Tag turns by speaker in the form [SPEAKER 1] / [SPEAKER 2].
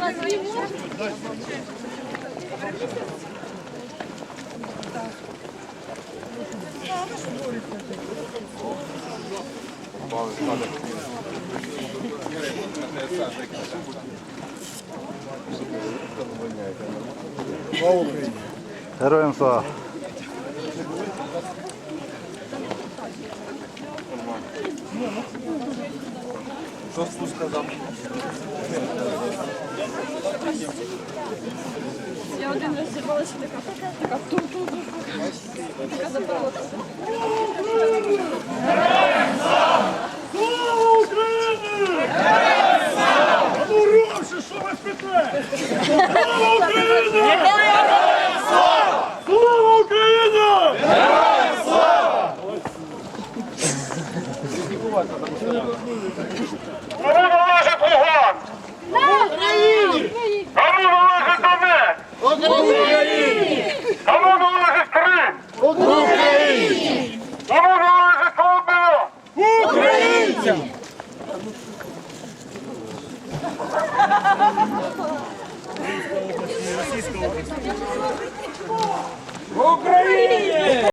[SPEAKER 1] Героям слава!
[SPEAKER 2] Що спуска там?
[SPEAKER 3] Я один раз зірвалася така ту-ту-ту. Така запалася.
[SPEAKER 4] Слава Україні! Героям слава! А ну ровше, що ви спите? Слава Україні! Героям слава! Слава Україні! Героям слава! Кому належить Луганськ? Україні! Кому належить Донецьк? Україні! Кому належить Крим? Україні! Кому належить Коломия? Українцям! Україні!